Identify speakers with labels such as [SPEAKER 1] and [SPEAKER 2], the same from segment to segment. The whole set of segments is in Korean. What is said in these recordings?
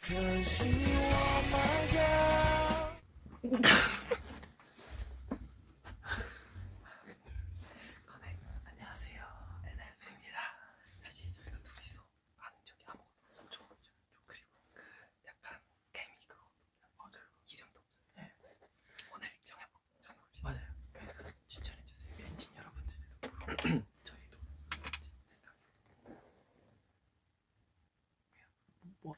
[SPEAKER 1] 안녕하세요, NF입니다. 사실 저희가 둘이서 아는 적이 아무것도 없죠. 그리고 그 약간 개미 그거 맞아요. 이름도 없어요. 네. 오늘 정해봅시다. 맞아요. 그래서 추천해주세요. 엔진 여러분들도 물어보고 저희도 뭐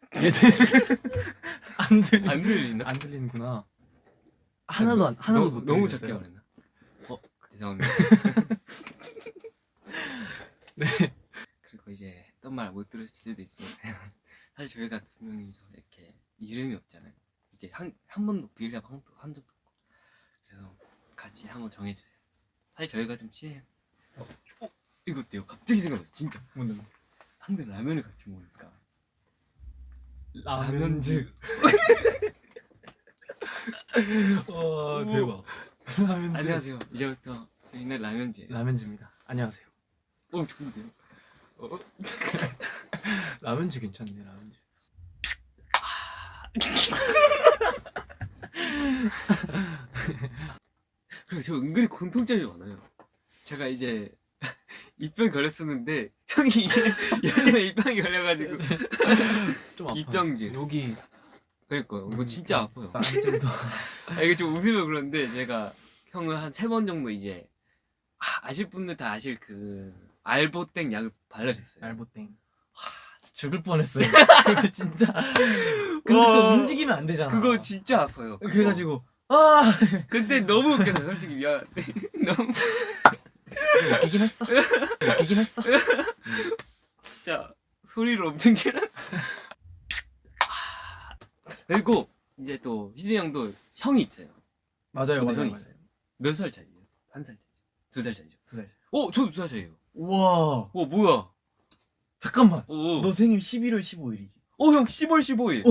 [SPEAKER 1] 안 들리나? 안 들리는구나. 하나도
[SPEAKER 2] 너무 작게 말했나? 죄송합니다.
[SPEAKER 1] 네.
[SPEAKER 2] 그리고 이제 어떤 말 못 들으실 수도 있으니까요. 사실 저희가 두 명이서 이렇게 이름이 없잖아요. 이게 한 번도 비례합 한 적도 없고. 그래서 같이 한번 정해주세요. 사실 저희가 좀 친해요. 이거 어때요? 갑자기 생각났어. 진짜.
[SPEAKER 1] 뭔데?
[SPEAKER 2] 항상 라면을 같이 먹으니까.
[SPEAKER 1] 라면즈. 와 대박. 라면즈.
[SPEAKER 2] 안녕하세요. 이제부터 저희는 라면즈예요.
[SPEAKER 1] 라면즈입니다. 안녕하세요.
[SPEAKER 2] 좋은데요?
[SPEAKER 1] 라면즈 괜찮네. 라면즈.
[SPEAKER 2] 그리고 저 은근히 공통점이 많아요. 제가 이제 입병 걸렸었는데 형이 이제 요즘에 입병이 걸려가지고
[SPEAKER 1] 좀 아파요.
[SPEAKER 2] 입병진.
[SPEAKER 1] 여기
[SPEAKER 2] 그러니까요. 이거 진짜 아파요.
[SPEAKER 1] 안쪽도.
[SPEAKER 2] 이게 좀 웃으면 그런데 제가 형은 한 3번 정도 이제 아실 분들 다 아실 그 알보땡 약을 발라줬어요.
[SPEAKER 1] 알보땡. 죽을 뻔했어요. 그거 진짜. 근데 또 움직이면 안 되잖아.
[SPEAKER 2] 그거 진짜 아파요.
[SPEAKER 1] 그래가지고
[SPEAKER 2] 근데 너무 웃겨서 솔직히 미안한데 너무
[SPEAKER 1] 웃기긴 했어. 웃기긴 했어.
[SPEAKER 2] 진짜 소리를 엄청 질러. 그리고 이제 또 희진 형도 형이 있어요.
[SPEAKER 1] 맞아요,
[SPEAKER 2] 저도 형이 있어요. 몇 살 차이예요? 1살 차이죠. 2살 차이죠.
[SPEAKER 1] 2살.
[SPEAKER 2] 저도 2살 차이예요.
[SPEAKER 1] 우와.
[SPEAKER 2] 뭐야?
[SPEAKER 1] 잠깐만.
[SPEAKER 2] 오.
[SPEAKER 1] 너 생일 11월 15일이지.
[SPEAKER 2] 형 10월 15일.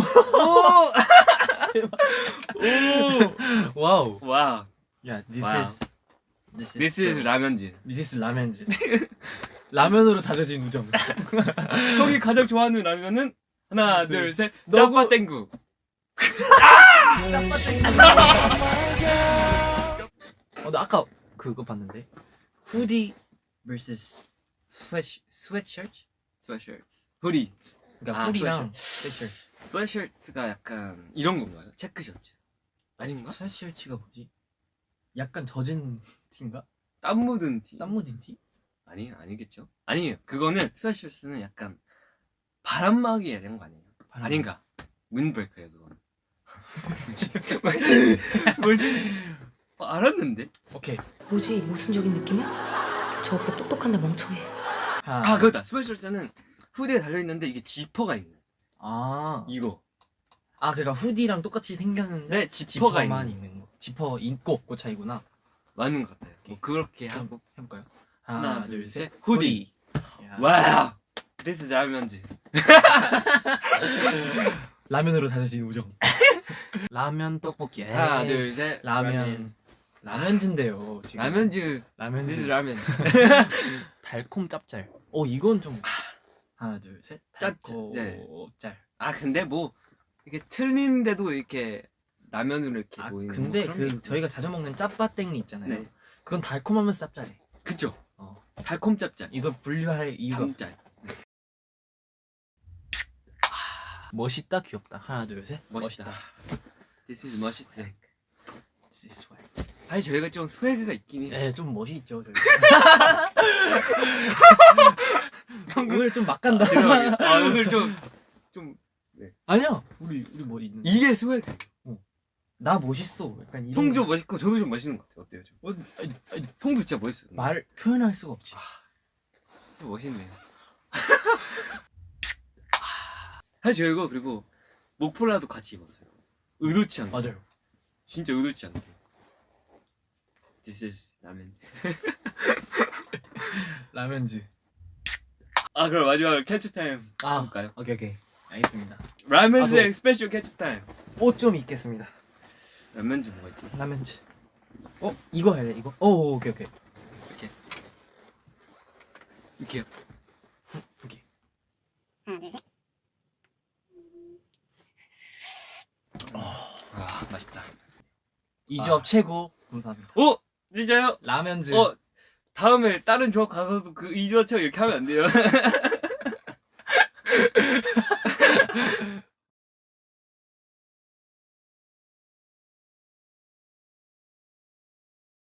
[SPEAKER 1] 오. 와우.
[SPEAKER 2] 와.
[SPEAKER 1] 야,
[SPEAKER 2] 와우. This is 라면즈.
[SPEAKER 1] This is 라면즈. 라면으로 다져진 우정.
[SPEAKER 2] 형이 가장 좋아하는 라면은 하나, 둘, 셋.
[SPEAKER 1] 너구.
[SPEAKER 2] 짜파땡구.
[SPEAKER 1] 나 아까 그거 봤는데. 후디 vs 스웨트셔츠?
[SPEAKER 2] 스웨셔츠. 후디.
[SPEAKER 1] 그러니까 후디랑 스웨트셔츠.
[SPEAKER 2] 스웨셔츠가 약간 이런 건가요? 체크셔츠. 아닌가?
[SPEAKER 1] 스웨트셔츠가 뭐지? 약간 젖은 티인가?
[SPEAKER 2] 땀 묻은 티.
[SPEAKER 1] 땀 묻은 티?
[SPEAKER 2] 아니겠죠? 아니에요. 그거는 스웨셔츠는 약간 바람막이 해야 되는 거 아니에요? 아닌가? 윈브레이크예요 그거는. 뭐지? 알았는데?
[SPEAKER 1] 오케이.
[SPEAKER 3] 뭐지? 모순적인 느낌이야? 저 오빠 똑똑한데 멍청해.
[SPEAKER 2] 그거다. 스웨셔츠는 후드에 달려있는데 이게 지퍼가 있는. 이거.
[SPEAKER 1] 그러니까 후디랑 똑같이 생겼는데
[SPEAKER 2] 네, 지퍼가
[SPEAKER 1] 지퍼만 있는 거. 지퍼 있고 없고 차이구나.
[SPEAKER 2] 맞는 것 같아요. 뭐 그렇게 하고.
[SPEAKER 1] 해볼까요?
[SPEAKER 2] 하나, 둘, 셋. 후디.
[SPEAKER 1] 야.
[SPEAKER 2] 와우. This is 라면즈.
[SPEAKER 1] 라면으로 다져진 우정. 라면 떡볶이.
[SPEAKER 2] 하나, 둘, 셋.
[SPEAKER 1] 라면즈인데요 지금.
[SPEAKER 2] 라면즈.
[SPEAKER 1] 라면즈.
[SPEAKER 2] This is 라면.
[SPEAKER 1] 달콤 짭짤. 이건 좀. 하나 둘 셋. 달콤
[SPEAKER 2] 네.
[SPEAKER 1] 짭.
[SPEAKER 2] 근데 뭐 이게 틀린데도 이렇게 라면으로 이렇게 보이는.
[SPEAKER 1] 근데
[SPEAKER 2] 뭐 그런 게
[SPEAKER 1] 그 저희가 자주 먹는 짜파땡이 있잖아요.
[SPEAKER 2] 네.
[SPEAKER 1] 그건 달콤하면서 짭짤해.
[SPEAKER 2] 그쵸. 달콤 짭짤.
[SPEAKER 1] 이걸 분류할 이유가 없어.
[SPEAKER 2] 담짤.
[SPEAKER 1] 멋있다 귀엽다. 하나 둘 셋.
[SPEAKER 2] 멋있다. This is 멋있어.
[SPEAKER 1] This is swag.
[SPEAKER 2] 사실 저희가 좀 스웨그가 있긴 해요.
[SPEAKER 1] 네, 좀 멋이 있죠 저희. 오늘 좀 막 간다.
[SPEAKER 2] 오늘 좀
[SPEAKER 1] 아니야. 우리 머리 있는.
[SPEAKER 2] 이게 스웨그.
[SPEAKER 1] 나 멋있어. 약간 이런.
[SPEAKER 2] 형 좀 멋있고 저도 좀 멋있는 것 같아요. 어때요? 좀? 형도 진짜 멋있어요.
[SPEAKER 1] 말 표현할 수가 없지.
[SPEAKER 2] 좀 멋있네요. 사실 저희가 그리고 목폴라도 같이 입었어요. 의도치 않게.
[SPEAKER 1] 맞아요.
[SPEAKER 2] 진짜 의도치 않게. This is 라면.
[SPEAKER 1] 라면즈.
[SPEAKER 2] 그럼 마지막으로 캐치 타임 해볼까요?
[SPEAKER 1] 오케이. 알겠습니다.
[SPEAKER 2] 라면즈의 스페셜 캐치 타임.
[SPEAKER 1] 옷 좀 입겠습니다.
[SPEAKER 2] 라면즈 뭐가 있지?
[SPEAKER 1] 라면즈. 이거 할래 이거? 오케이.
[SPEAKER 2] 이렇게요.
[SPEAKER 1] 오케이.
[SPEAKER 4] 하나 둘 셋.
[SPEAKER 2] 맛있다.
[SPEAKER 1] 이 조합 최고. 감사합니다.
[SPEAKER 2] 오 진짜요?
[SPEAKER 1] 라면즈.
[SPEAKER 2] 다음에 다른 조합 가서도 그 이주화처럼 이렇게 하면 안 돼요.